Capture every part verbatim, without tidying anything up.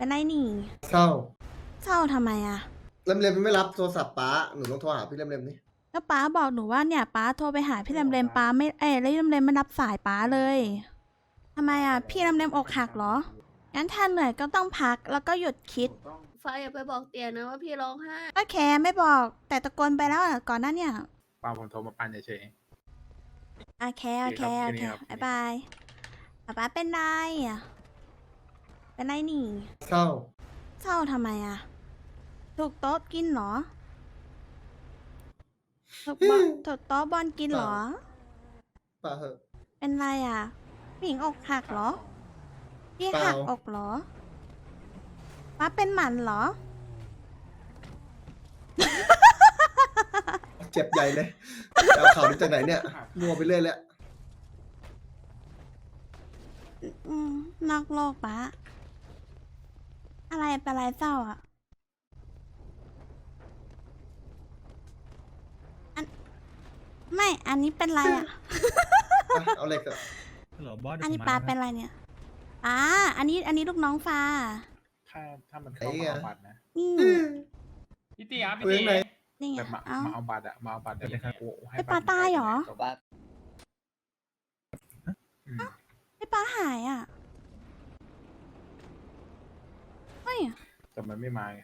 เป็นไรนี่เศร้าเศร้าทำไมอะเล่มเล็มไม่รับโทรศัพท์ป้าหนูต้องโทรหาพี่เล่มเล็มนี่ก็ป้าบอกหนูว่าเนี่ยป้าโทรไปหาพี่เลมเลมป้าไม่เอ้ยแล้วพี่เลมเลมไม่รับสายป้าเลยทำไมอะพี่เลมเลมอกหักเหรองั้นถ้าเหนื่อยก็ต้องพักแล้วก็หยุดคิดฟ้าอย่าไปบอกเตียนะว่าพี่ร้องไห้ก็แค่ไม่บอกแต่ตะโกนไปแล้วอะก่อนหน้าเนี่ยป้าผมโทรมาปั่นเฉยโอเคโอเคโอเคครับบายบายป้าป้าเป็นไรอะเป็นไรนี่เศร้าเศร้าทำไมอะถูกโต๊ะกินเหรอถูกบอลถูกโต๊ะบอลกินเหรอป้าเหอะเป็นไรอ่ะผู้หญิงอกหักเหรอ พี่เปล่าหักอกเหรอป้าเป็นหมันเหรอเจ็บใหญ่เลยเอาข่าวนี้จากไหนเนี่ยมัวไปเรื่อยแล้วอืมนอกโลกป้าอะไรเป็นไรเศร้าอ่ะอันไม่ อันนี้เป็นไรอ่ะอ่ะเอาเหล็กเถอะฮัลโหลบอสอันนี้ป้าเป็นไรเนี่ยป้าอันนี้อันนี้ลูกน้องฟ้าๆถ้าถ้ามันเข้ามาเอาบัตรนะนี่พี่ตีครับพี่เว้ตียไหนนี่ไงแบบมาเอ้ามาเอาบัตรอะมาเอาบัตรเดี๋ยวให้กูให้ไอ้ปลาตายเหรอบัตรอืมไอ้ป้าหายอ่ะเฮ้ยแต่มันไม่มาไง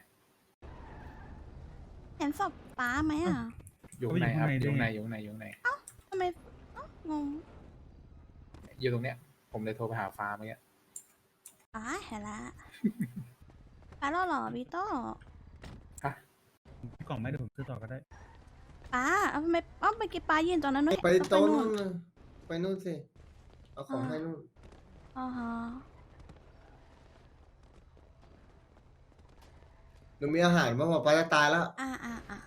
เห็นศพป้าไหมอ่ะอยู่ข้างในครับอยู่ข้างในอยู่ข้างในอยู่ข้างในทำไมเอ้างงอยู่ตรงเนี้ย ผมเลยโทรไปหาฟ้าเมื่อกี้อ๋อเห็นละ ป้าแล้วเหรอวิโต้ฮะกล่องไม่ได้ผมซื้อต่อก็ได้ป้าเอาทำไมเอ้าไปกินปลายืนตอนนั้นด้วยไปเอาโต๊ะนู่นู่นนน่ะไปนู่นสิเอาของให้นู่นอ๋อฮะหนูมีอาหารบ้างว่าป้าจะตายแล้วอ่าอ่าอ่า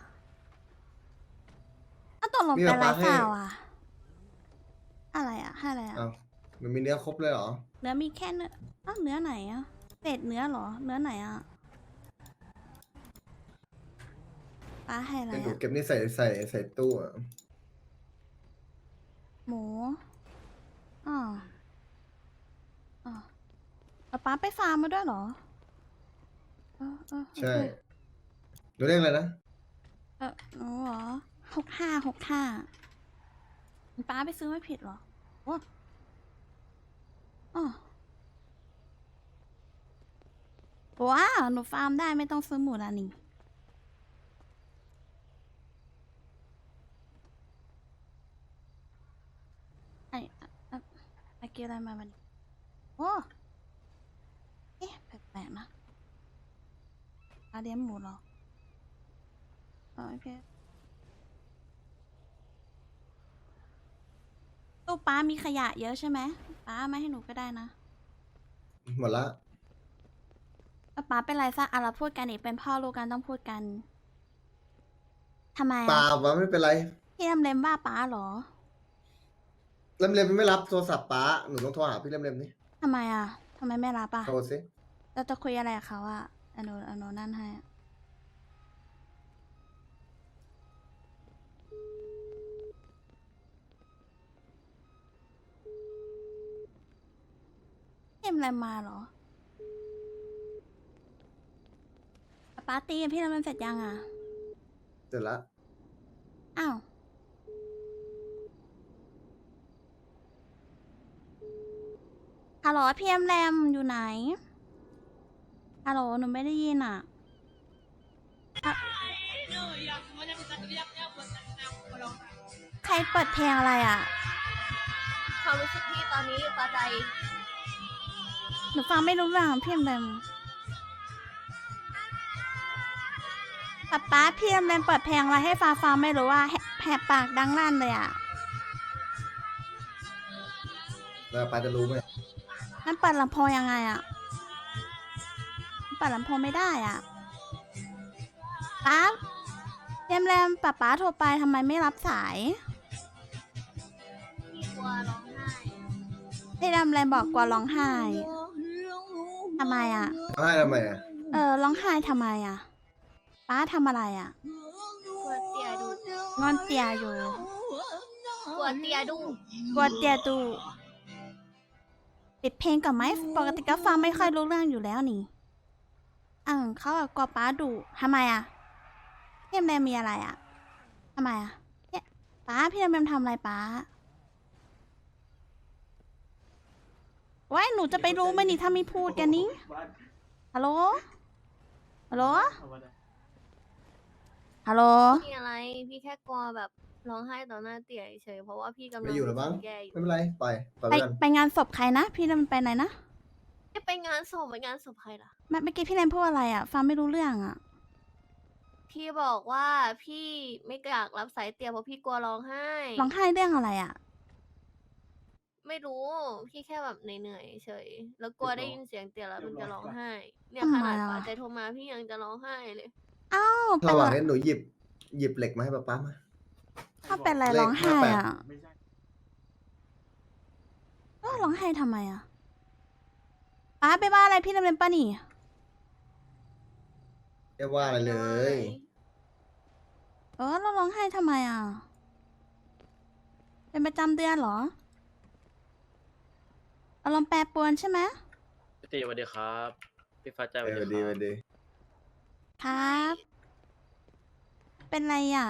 เอาตกลงมีเป็นแบบอะไรปลาให้เปล่าอ่ะ อะไรอ่ะให้อะไรอ่ะอ้าวมันมีเนื้อครบเลยเหรอเนื้อมีแค่เนื้ออ้าวเนื้อไหนอ่ะเศษเนื้อเหรอ เนื้อไหนอ่ะป้าให้อะไรเป็นหนูอ่ะเก็บนี่ใส่ใส่ใส่ตู้อะหมูอ๋ออ๋อเอาป้าไปฟาร์มมาด้วยเหรอเออเออโอเคใช่หนูเรียกอะไรนะเออหนูเหรอหกห้าหกห้าป้าไปซื้อไม่ผิดเหรอโอ้อ๋อว้าวหนูฟาร์มได้ไม่ต้องซื้อหมูละนี่ไอ้อะอะไอ้เกี่ยวอะไรมาบันโอ้เอ๊ะแปลกๆนะป้าเลี้ยงหมูเหรออ๋อโอเคตู้ป้ามีขยะเยอะใช่ไหมป้าเอามาให้หนูก็ได้นะหมดละแล้วป้าเป็นไรซะอ่ะเราพูดกันอีกเป็นพ่อลูกกันต้องพูดกันทำไมเปล่าอ่ะป้าไม่เป็นไรพี่ลำเลมว่าป้าเหรอเล่มเล็มไม่รับโทรศัพท์ป้าหนูต้องโทรหาพี่เล่มเล็มนี่ทำไมอ่ะทำไมไม่รับอ่ะโทรสิเราจะคุยอะไรกับเขาอ่ะอโนอโนนั่นให้อะพี่ลำเลมมาเหรอป้าตีกับพี่ลำเลมเสร็จยังอ่ะเสร็จละอ้าวฮัลโหลพี่ลำเลมอยู่ไหนฮัลโหลหนูไม่ได้ยินอ่ะอะใครเปิดเพลงอะไรอ่ะความรู้สึกพี่ตอนนี้ฟ้าใจหนูฟังไม่รู้เรื่องพี่ลำเลมป๊าป๊าพี่ลำเลมเปิดเพลงอะไรให้ฟ้าฟังไม่รู้ว่าแหแหบปากดังลั่นเลยอ่ะแล้วป้าจะรู้ไหมนั่นเปิดลำโพงยังไงอ่ะเปิดลำโพงไม่ได้อ่ะป๊าพี่ลำเลมป๊าป๊าโทรไปทำไมไม่รับสายพี่กลัวร้องไห้พี่ลำเลมบอกกลัวร้องไห้ทำไมอ่ะให้ทำไมอ่ะเออร้องไห้ทำไมอ่ะป๊าทำอะไรอ่ะกลัวเตียดูงอนเตียอยู่กลัวเตียดูกลัวเตียดูปิดเพลงก่อนไหมปกติก็ฟังไม่ค่อยรู้เรื่องอยู่แล้วนี่อ่าเขาแบบกลัวป้าดุทำไมอ่ะพี่แรมมีอะไรอ่ะทำไมอ่ะเนี่ยป้าพี่แรมทำอะไรป้าว้ายหนูจะไปรู้ไหมนี่ถ้าไม่พูดกันนี้ฮัลโหลฮัลโหลฮัลโหลมีอะไรพี่แค่กลัวแบบร้องไห้ต่อหน้าเตี่ยเฉยๆเพราะว่าพี่กำลังไม่อยู่แล้วมั้งแย่อยู่ไม่เป็นไรปล่อยปล่อยไปไปกันไปงานศพใครนะพี่แรมไปไหนนะไม่ไปงานศพไปงานศพใครล่ะเมื่อเมื่อกี้พี่แรมพูดอะไรอ่ะฟังไม่รู้เรื่องอ่ะพี่บอกว่าพี่ไม่อยากรับสายเตี่ยเพราะพี่กลัวร้องไห้ร้องไห้เรื่องอะไรอ่ะไม่รู้ พี่แค่แบบเหนื่อยๆเฉย แล้วกลัวได้ยินเสียงเตี่ยแล้วมันจะร้องไห้ เนี่ยทำขไมนาดอ่ะป๋าใจโทรมาพี่ยังจะร้องไห้เลยเอ้าเป็ระนหว่างไรนี้หนูหยิบหยิบเหล็กมาให้ป๊าป๊ามาเขาเป็นอะไรเลขร้องไห้ห้าแปดอ่ะเออร้องไห้ทำไมอ่ะป้าไปว่าอะไรพี่แรมป้านี่เรียกว่าอะไรเลยเออเราร้องไห้ทำไมอ่ะ เป็นประจำเดือนเหรออารมณ์แปรปรวนใช่ไหมพี่ตีสวัสดีครับ พี่ฟ้าใจสเอวัสอดีดีคไปรับดีครับ เป็นไรอ่ะ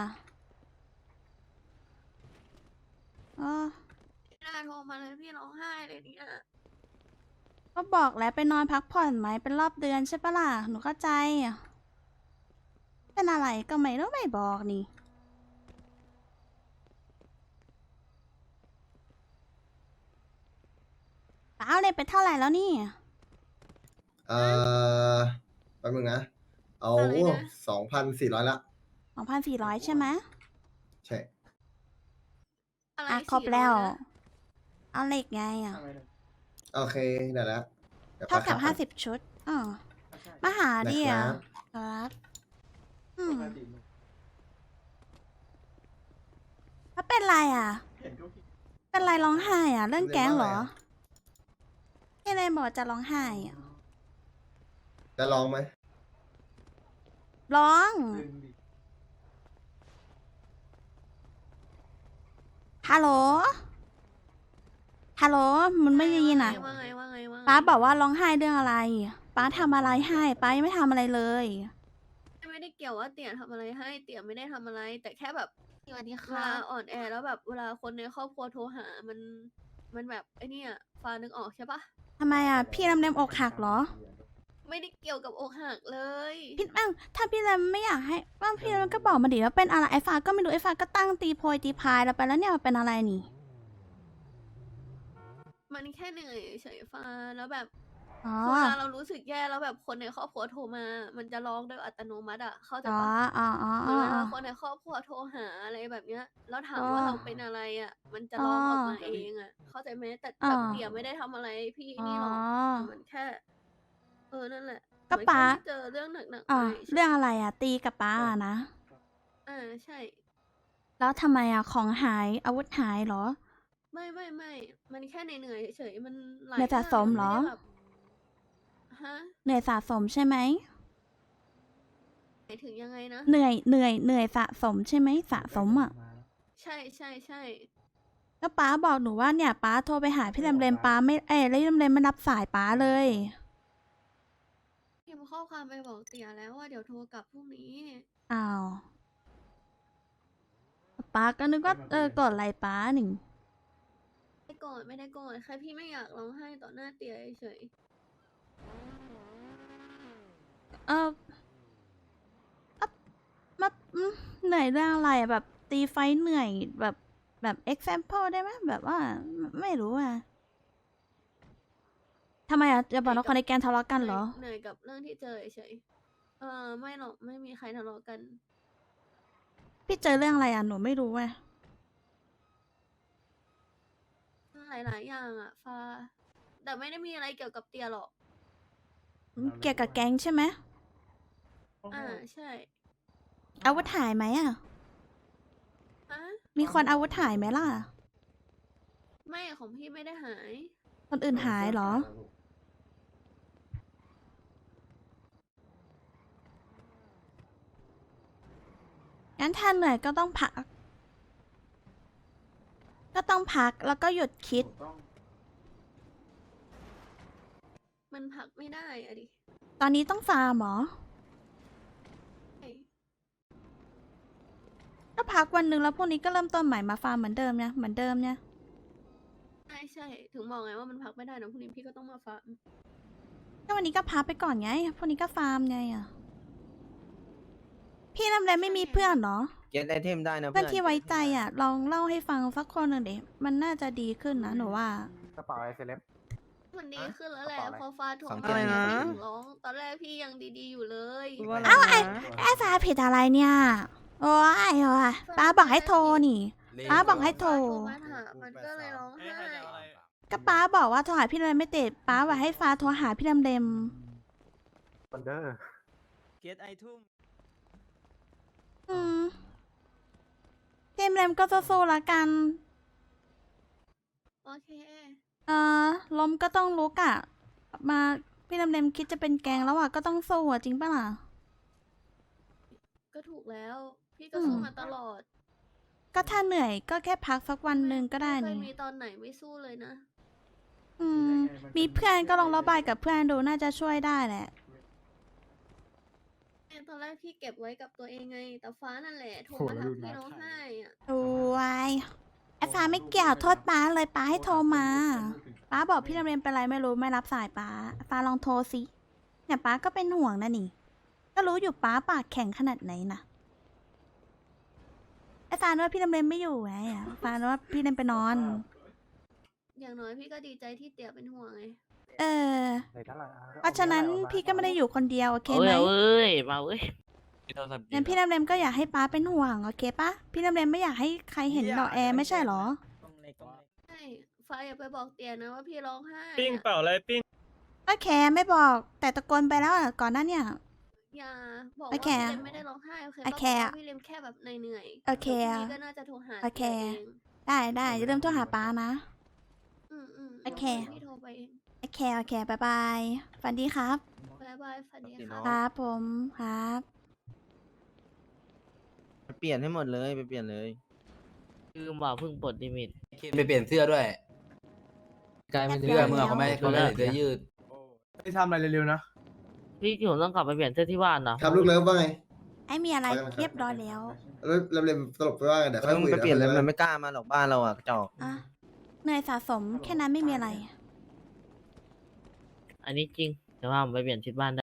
เออพี่น่าโทรมาเลยพี่ร้องไห้เลยเนี่ยก็บอกแล้วไปนอนพักผ่อนไหมเป็นรอบเดือนใช่ปะล่ะหนูเข้าใจอะเป็นอะไรก็ไม่รู้ไม่บอกนี่เปล่าเลยไปเท่าไหร่แล้วนี่เอ่อแป๊บนึงนะ เอาอะไรนะสองพันสี่ร้อยละสองพันสี่ร้อยใช่ไหมใช่อะไรอ่ะครบแล้วสี่อยนะเอาเหล็กไงอ่ะโอเคได้แล้วดี๋ยวเท่ากับป๊ห้าขัสิบชุดอ๋อมาหาดินะคอ่ะรับครับอืมแล้วเป็นไรอ่ะ เป็นไรร้องไห้อ่ะ เรื่องแก๊งเหรอพี่เลยบอกจะร้องไห้อ่ะจะลองไหมร้อง ฮัลโหล ฮัลโหล มันไม่ได้ยินอ่ะว่าไงว่าไงว่าไงป้าบอกว่าร้องไห้เรื่องอะไร ป้าทำอะไรให้ ป้ายังไม่ทำอะไรเลยไม่ได้เกี่ยวว่าเตี่ยทำอะไรให้เตี่ยไม่ได้ทำอะไร แต่แค่แบบสวัสดีเวลาอ่อนแอแล้วแบบเวลาคนในครอบครัวโทรหา มันมันแบบไอ้เนี่ยฟ้านึกออกใช่ปะทำไมอ่ะ พี่ลำเดมอกหักเหรอไม่ได้เกี่ยวกับอกหักเลยพี่อ้าวถ้าพี่ลำไม่อยากให้ว่าพี่ลำก็บอกมาดิว่าเป็นอะไรไอ้ฟ้าก็ไม่รู้ไอ้ฟ้าก็ตั้งตีโพยตีพายแล้วไปแล้วเนี่ยมันเป็นอะไรนี่มันแค่เหนื่อยเฉยๆฟ้าแล้วแบบอ๋อเวลาเรารู้สึกแย่แล้วแบบคนในครอบครัวโทรมา มันจะร้องโดยอัตโนมัติอ่ะเข้าใจอ๋อปะอ๋ออ๋อเหอ๋มือนอเวอ๋ลาอคนในครอบครัวโทรหาอะไรแบบเนี้ยแล้วถามอ๋อว่าเราเป็นอะไรอ่ะ มันจะร้องออกมาอ๋อเองอ่ะ เข้าใจไหมแต่อ๋อแบบเตี่ยไม่ได้ทำอะไรพี่อ๋อนี่หรอกแต่มันแค่ เออนั่นแหละก็มันป้าแค่ไม่เจอเรื่องหนักๆอ่ามาฉยๆเรื่องอะไรอ่ะ ตีกับป้าอะนะอ่าใช่แล้วทำไมอ่ะของหายอาวุธหายเหรอไม่ไม่ไม่มันแค่เหนื่อยๆเฉยๆมันหลายเหนื่อยสะสมเหรอย่างนไได้แบบฮะเหนื่อยสะสมใช่ไหมหมายถึงยังไงนะเหนื่อยเหนื่อยเหนื่อยสะสมใช่ไหมสะสมอ่ะใช่ใช่ใช่ก็ป้าบอกหนูว่าเนี่ยป้าโทรไปหาพี่ลำเลมป้าไม่เอ้ยแล้วพี่ลำเลมไม่รับสายป้าเลยพิมพ์ข้อความไปบอกเตี๋ยแล้วว่าเดี๋ยวโทรกลับพรุ่งนี้อ้าวป้าก็นึกว่าเออกดอะไรป้าหนึ่งไม่โกรธไม่ได้โกรธแค่พี่ไม่อยากร้องไห้ต่อหน้าเตี๋ยเฉยเอออะมาอืมเหนื่อยเรื่องอะไรอะแบบตีไฟเหนื่อยแบบแบบ example ได้ไหมแบบว่าไม่ไม่รู้อ่ะทำไมอ่ะจะบอกว่าคนในแกนทะเลาะๆกันเหรอเหนื่อยกับเรื่องที่เจอเฉยๆเออไม่หรอกไม่มีใครทะเลาะกันพี่เจอเรื่องอะไรอ่ะหนูไม่รู้อ่ะหลายๆอย่างอ่ะฟ้า แต่ไม่ได้มีอะไรเกี่ยวกับเตี๋ยหรอกเกี่ยวกับแก๊งใช่ไหมอ่าใช่อาวุธหายไหมอ่ะฮะมีคนอาวุธหายไหมล่ะไม่ของพี่ไม่ได้หายคนอื่นหายเหรอ งั้นถ้าเหนื่อยก็ต้องพัก ก็ต้องพักแล้วก็หยุดคิดไมันพักไม่ได้อะดิตอนนี้ต้องฟาร์มเหรอใช่ก็พักวันหนึ่งแล้วพรุ่งนี้ก็เริ่มต้นใหม่มาฟาร์มเหมือนเดิมเนี่ยเหมือนเดิมเนี่ยใช่ใช่ถึงบอกไงว่ามันพักไม่ได้นะพรุ่งนี้พี่ก็ต้องมาฟาร์มก็วันนี้ก็พักไปก่อนไงพรุ่งนี้ก็ฟาร์มไงอ่ะพี่ทำอะไรไม่มีเพื่อนเหรอเก็ตไอเทมได้นะเพื่เพื่ออน นที่ไว้ใจอ่ะ ลองเล่าให้ฟังสักคนหนึ่งดิมันน่าจะดีขึ้นนะหนูว่ากระเป๋าไอเซเลบมันดีขึ้นแล้วแหละกระเป๋าอะไรพอฟาดถ่วงสองไปเจ็ดพี่อะไรนะถึงร้อง ตอนแรกพี่ยังดีๆอยู่เลยเอ้าไอ้ไอ้ฟ้าผิดอะไรเนี่ย โอ้ยโอ้ยป้าบอกให้โทรนี่ ป้าบอกให้โทรฟ้าโทรมาถามมันก็เลยร้องไห้ก็ป้าบอกว่าโทรหาพี่เรมไม่ติดป้าบอกให้ฟ้าโทรหาพี่เรมเรมบันเดอร์เก็ตไอทุ่มอืมเรมเรมก็สู้ๆละกันโอเคเออล้มก็ต้องลุกอ่ะ มาพี่เรมเรมคิดจะเป็นแกงแล้วอ่ะก็ต้องสู้อ่ะจริงปะล่ะก็ถูกแล้ว พี่ก็สู้มาตลอดก็ถ้าเหนื่อยก็แค่พักสักวันหนึ่งก็ได้ไม่เคยนี่มีตอนไหนไม่สู้เลยนะอืม มีเพื่อนก็ลองระบายกับเพื่อนดูน่าจะช่วยได้แหละตอนแรกพี่เก็บไว้กับตัวเองไง แต่ฟ้านั่นแหละโทรโหมาแล้วถามดูพี่นะร้องไห้อะโอ้ยไอ้ฟ้าไม่เกี่ยวโทษป้าเลยป้าให้โทรมา ป้าบอกพี่เรมเรมเป็นไรไม่รู้ไม่รับสายป้าฟ้าลองโทรสิเนี่ยป้าก็เป็นห่วงนะนี่ ก็รู้อยู่ป้าปากแข็งขนาดไหนนะไอ้ฟ้านึกว่าพี่เรมเรมไม่อยู่ไงอะฟ้านึกว่าพี่เรมไปนอนอย่างน้อยพี่ก็ดีใจที่เตี๋ยเป็นห่วงไงเออในเท่าไหร่เพราะฉะนั้นพี่ก็ไม่ได้อยู่คนเดียวโอเคไหมเอ้ยมาเว้ยงั้นพี่เรมเรมก็อยากให้ป้าเป็นห่วงโอเคปะพี่เรมเรมไม่อยากให้ใครเห็นดอกแอร์ไม่ใช่เหรอใช่ฟ้าอย่าไปบอกเตี๋ยนะว่าพี่ร้องไห้ปิ้งอะเปล่าอะไรปิ้งก็แคร์ไม่บอกแต่ตะโกนไปแล้วอะก่อนหน้าเนี่ยอย่าบอกโอว่าเคพี่เลมไม่ได้ร้องไห้โอเคโอก็เคบอกว่าพี่เลมแค่แบบเหนื่อยๆโอเคดี๋ยวพรุ่งนี้ก็น่าจะโทรหาโอเคตี๋ยเองได้ได้อย่าลืมโทรหาป้านะอืมอืมโอเคพี่โทรไปเองโอเคโอเคบายบายฝันดีครับบายบายฝันดีโอเคค่ะเนาะครับผมครับไปเปลี่ยนให้หมดเลยไปเปลี่ยนเลยลืมว่าเพิ่งปลดลิมิตไปเปลี่ยนเสื้อด้วยกลายเป็นเสื้อเมื่อเขาไม่เขาไม่ใส่เสื้อยืดไปทำอะไรเร็วๆนะพี่ผมต้องกลับไปเปลี่ยนเสื้อที่บ้านนะครับลูกเลิฟว่าไงไอ้มีอะไรไปกันนะครับเรียบร้อยแล้วแล้วเรมเรมสรุปไปว่าไงเดี๋ยวเอค่อยอมึคุงยไปเปลี่ยนเลยดี๋วมันไม่กล้ามาหรอกบ้านเราอ่ะกระจอกอ่ะเหนื่อยสะสมแค่นั้นไม่มีอะไรอันนี้จริงแต่ว่าผมไปเปลี่ยนชุดบ้านได้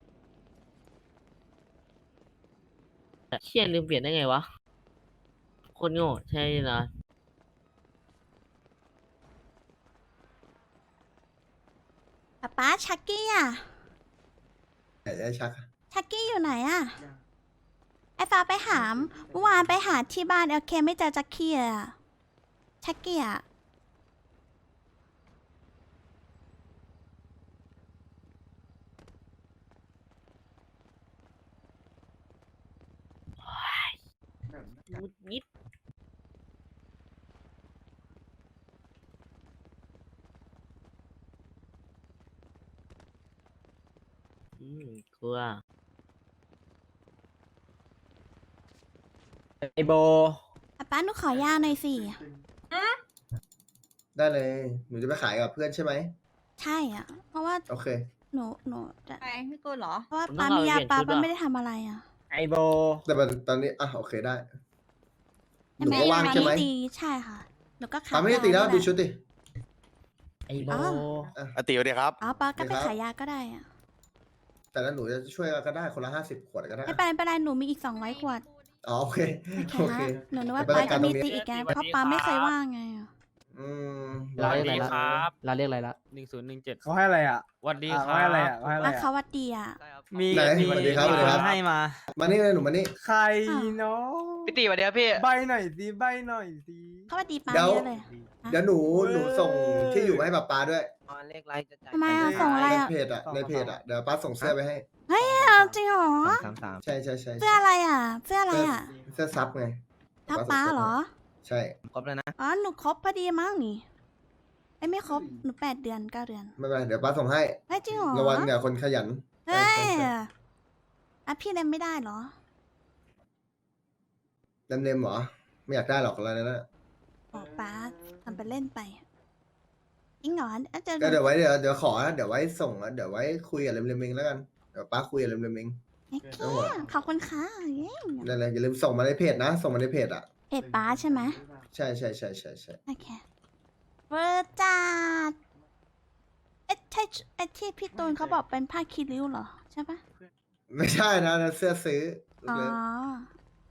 แต่เชี่ยลืมเปลี่ยนได้ไงวะ คนโง่ใช่นะป๊าป๊าชักกี้อ่ะไหนจะชักอะชักกี้อยู่ไหนอ่ะ ไอ้ฟ้าไปหามเมื่อวานไปหาที่บ้านโอเคไม่เจอชักกี้เลยอ่ะ ชักกี้อ่ะงุดยิดอืมกลัวไอโบป๊าป๊าหนูขอยาหน่อยสิได้เลย หนูจะไปขายกับเพื่อนใช่ไหมใช่อ่ะ เพราะว่าโอเคหนูหนูจะไปพี่กูเหรอเพราะว่าผมต้ป๊าองมียาเอาไปเปลี่ยนชุดป๊าป๊าอะไม่ได้ทำอะไรอ่ะไอโบแต่มันตอนนี้อ่ะโอเคได้ หนูแม่ก็ว่างป๊าใช่ไหมไม่ตีใช่ค่ะ หนูก็ขายป้าไม่ได้ยาตีแล้วนี่ดูหะชุดดิไอโบอ๋ออติวดีครับอ๋อป๊าก็ไปดีครับขายยาก็ได้อ่ะแต่แล้วหนูจะช่วยก็ได้คนละห้าสิบขวดก็ได้ไม่เป็นไรไม่เป็นไรหนูมีอีกสองร้อยขวดอ๋อโอเคโอเคโอเคนะหนูนึกว่าไปป๊าจัดกาจะรมีตรงนี้ตีอีกไงสวัสดีเพราะป๊าไม่ครับเคยว่างไงอะอืมเราเรียกอะไรละครับเราเรียกอะไรละหนึ่งศูนย์หนึ่งเจ็ดเขาให้อะไรอ่ะวันดีอ่ะครัเขาให้อะไรบอ่ะเขาให้อะไรว่าอ่ะเขาวัดดีอ่ะมีไหนสวัสดีครับสวัสดีครับให้มามานี่เลยหนูมานี่ใครเนาะพี่ตีสวัสดีครับพี่ใบหน่อยสิใบหน่อยสิเขาวัดดีป๊าเดี๋ยวเยอะเลยเดี๋ยวหนูหนูส่งที่อยู่มาให้ป้าป๊าด้วยตอนเลขไรจะจ่ายทำไมอะส่งอะไรในอะเพจอะในเพจอะเดี๋ยวป้าส่งเสื้อไปให้เฮ้ยเอาจริงเหรอสามสามใช่ใช่ใช่เสื้ออะไรอ่ะ เสื้ออะไรอ่ะเสื้อซับไงทับป๊าเหรอใช่ครบแล้วนะอ๋อ หนูครบพอดีมั้งนี่ไอ้ยไม่ครบ หนูแปดเดือนเก้าเดือนไม่เป็นไรเดี๋ยวป้าส่งให้เฮ้ยจริงเหรอระวังเนี่ยคนขยันเฮ้ยใช่ใช่อ่ะพี่เล่นไม่ได้เหรอเต็มเต็มๆเหรอ ไม่อยากได้หรอกอะไรนั่นนะบอกป้าทำเป็นเล่นไปจริงเหรออาจจะก็เดี๋ยวไว้เดี๋ยวเดี๋ยวขอนะเดี๋ยวไว้ส่งแล้วเดี๋ยวไว้คุยกับเร็มๆเองแล้วกันเดี๋ยวป้าคุยกับเร็มๆเองโอเคขอบคุณค่ะเย้นั่นแหละอย่าลืมส่งมาในเพจนะ ส่งมาในเพจอ่ะเพจป้าใช่ไหมใช่ใช่ใช่ใช่ใช่โอเคเวอร์จัดเอ๊ะใช่ไอ้ที่พี่ตูนเขาบอกเป็นผ้าคีริ้วเหรอใช่ปะไม่ใช่นะนั่นเสื้อซื้ออ๋อเลยโ